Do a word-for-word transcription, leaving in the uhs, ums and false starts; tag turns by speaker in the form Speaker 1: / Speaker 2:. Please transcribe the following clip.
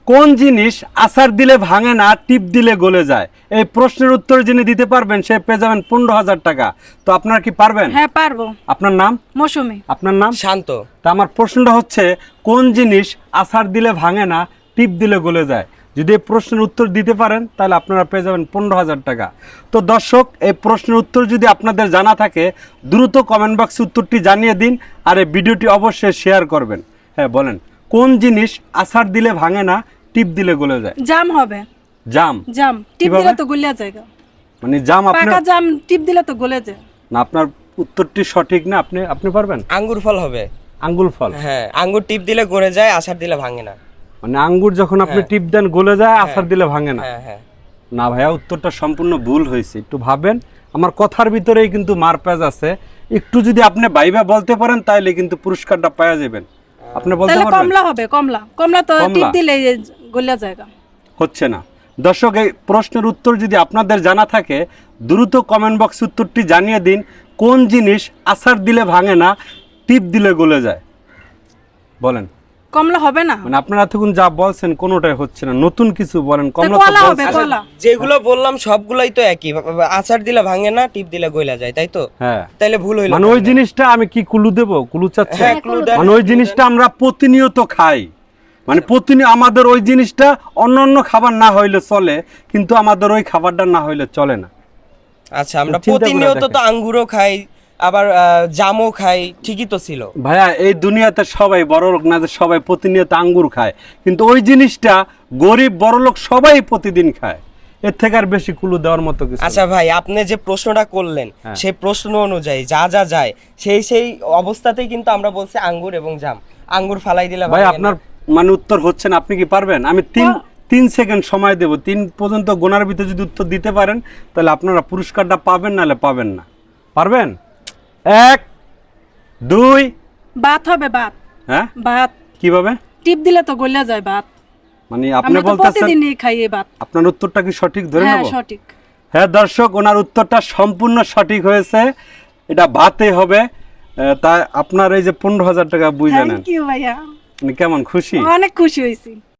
Speaker 1: কোন জিনিস আছাড় দিলে ভাঙে না, টিপ দিলে গলে যায়? এই প্রশ্নের উত্তর যিনি দিতে পারবেন সে পেয়ে যাবেন পনেরো হাজার টাকা। তো আপনারা কি পারবেন?
Speaker 2: হ্যাঁ পারবো।
Speaker 1: আপনার নাম?
Speaker 2: মৌসুমী।
Speaker 1: আপনার নাম?
Speaker 3: শান্ত।
Speaker 1: তা আমার প্রশ্নটা হচ্ছে, কোন জিনিস আছাড় দিলে ভাঙে না, টিপ দিলে গলে যায়? যদি এই প্রশ্নের উত্তর দিতে পারেন তাহলে আপনারা পেয়ে যাবেন পনেরো হাজার টাকা। তো দর্শক, এই প্রশ্নের উত্তর যদি আপনাদের জানা থাকে দ্রুত কমেন্ট বক্সে উত্তরটি জানিয়ে দিন, আর এই ভিডিওটি অবশ্যই শেয়ার করবেন। হ্যাঁ বলেন, কোন জিনিস আছাড় দিলে ভাঙে না, টিপ দিলে গলে যায়?
Speaker 2: জাম হবে।
Speaker 1: জাম?
Speaker 2: জাম টিপ
Speaker 1: কিভাবে?
Speaker 2: দিলে তো গলিয়া যায়।
Speaker 1: মানে জাম আপনার
Speaker 2: পাকা জাম টিপ দিলে তো গলে যায়।
Speaker 1: না, আপনার উত্তরটি সঠিক না। আপনি আপনি পারবেন?
Speaker 3: আঙ্গুর ফল হবে।
Speaker 1: আঙ্গুর ফল?
Speaker 3: হ্যাঁ, আঙ্গুর টিপ দিলে গড়ে যায়, আছাড় দিলে ভাঙে না।
Speaker 1: মানে আঙ্গুর যখন আপনি
Speaker 3: হ্যাঁ।
Speaker 1: টিপ দেন গলে যায়, আছাড় দিলে ভাঙে না?
Speaker 3: হ্যাঁ হ্যাঁ।
Speaker 1: না ভাইয়া, উত্তরটা সম্পূর্ণ ভুল হয়েছে। একটু ভাবেন, আমার কথার ভিতরেই কিন্তু মারপ্যাচ আছে। একটু যদি আপনি ভাইবা বলতে পারেন তাহলে কিন্তু পুরস্কারটা পাওয়া যাবেন। আপনি বলতে
Speaker 2: তাহলে
Speaker 1: পারবেন?
Speaker 2: কমলা হবে। কমলা কমলা তো
Speaker 1: কমলা?
Speaker 2: টিপ দিলে গলিয়া যায়।
Speaker 1: হচ্ছে না। দর্শক, এই প্রশ্নের উত্তর যদি আপনাদের জানা থাকে দ্রুত কমেন্ট বক্স উত্তরটি জানিয়ে দিন। কোন জিনিস আছাড় দিলে ভাঙে না, টিপ দিলে গলে যায়? বলেন।
Speaker 2: কমলা হবে না?
Speaker 1: মানে আপনারা এতক্ষণ যা বলছেন কোনোটাই হচ্ছে না, নতুন কিছু বলেন। কমলা তো
Speaker 2: কলা হবে,
Speaker 1: বলছেন।
Speaker 2: কলা।
Speaker 3: যেগুলো বললাম সবগুলাই তো একই, আছাড় দিলে ভাঙে না, টিপ দিলে গইলা যায়, তাই তো?
Speaker 1: হ্যাঁ।
Speaker 3: তাইলে ভুল হইলো।
Speaker 1: মানে ওই জিনিসটা আমি কি কুলু দেব? কুলু চাচ্ছেন?
Speaker 3: হ্যাঁ, ক্লু দেন।
Speaker 1: মানে ওই জিনিসটা আমরা প্রতিনিয়ত খাই। মানে প্রতিনিয়ত আমাদের ওই জিনিসটা অন্য অন্য খাবার না হইলে চলে, কিন্তু আমাদের ওই খাবারটা না হইলে চলে না।
Speaker 3: আচ্ছা, আমরা
Speaker 1: চিন্তা করে
Speaker 3: প্রতিনিয়ত তো
Speaker 1: দেখেন।
Speaker 3: আঙ্গুরও খাই, আবার আহ, জামও খাই, ঠিকই তো ছিল।
Speaker 1: ভাইয়া, এই দুনিয়াতে সবাই বড় লোক না যে সবাই প্রতিনিয়ত আঙ্গুর খায়, কিন্তু ওই জিনিসটা গরিব বড় লোক সবাই প্রতিদিন খায়। এর থেকে আর বেশি কুলু দেওয়ার মতো কিছু না।
Speaker 3: আচ্ছা ভাই, আপনি যে প্রশ্নটা করলেন
Speaker 1: হ্যাঁ।
Speaker 3: সেই প্রশ্ন অনুযায়ী যা যা যায় সেই সেই অবস্থাতেই কিন্তু আমরা বলছি আঙ্গুর এবং জাম। আঙ্গুর ফালাই দিলে
Speaker 1: ভাই
Speaker 3: ভাঙে না।
Speaker 1: আপনার মানে উত্তর হচ্ছে না। আপনি কি পারবেন? আমি তিন তিন সেকেন্ড সময় দেব। তিন পর্যন্ত গোনার ভিতরে যদি উত্তর দিতে পারেন তাহলে আপনারা পুরস্কারটা পাবেন, নাহলে পাবেন না। পারবেন? এক, দুই।
Speaker 2: ভাত হবে। ভাত।
Speaker 1: হ্যাঁ?
Speaker 2: ভাত
Speaker 1: কিভাবে?
Speaker 2: টিপ দিলে তো গলিয়া যায় ভাত।
Speaker 1: মানে আপনি
Speaker 2: আমরা তো
Speaker 1: বলতেছেন
Speaker 2: প্রতিদিনই খাই এই ভাত।
Speaker 1: আপনার উত্তরটা কি সঠিক ধরে
Speaker 2: হ্যাঁ
Speaker 1: নেব?
Speaker 2: সঠিক।
Speaker 1: হ্যাঁ দর্শক, ওনার উত্তরটা সম্পূর্ণ সঠিক হয়েছে। এটা ভাতে হবে। আহ, তা আপনার এই যে পনেরো হাজার টাকা বুঝে নেন।
Speaker 2: থ্যাংক ইউ ভাইয়া।
Speaker 1: মানে কেমন খুশি?
Speaker 2: অনেক খুশি হয়েছি।